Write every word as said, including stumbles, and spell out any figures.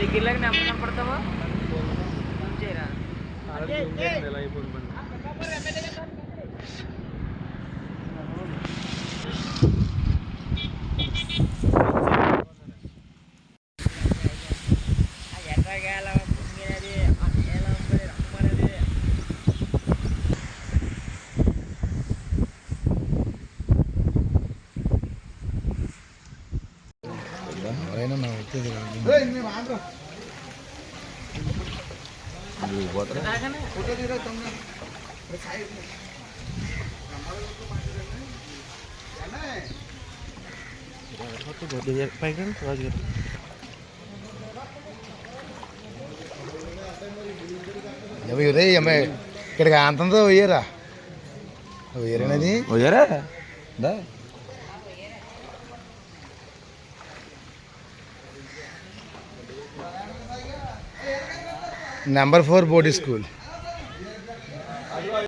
దగ్గరలాగా నెంబర్ కనపడతావా చేయరా ఎవరైనా నా వచ్చేది ఇక్కడికి అంతంతో పోయారా పోయారనేది పోయారా నెంబర్ ఫోర్ బోర్డింగ్ స్కూల్.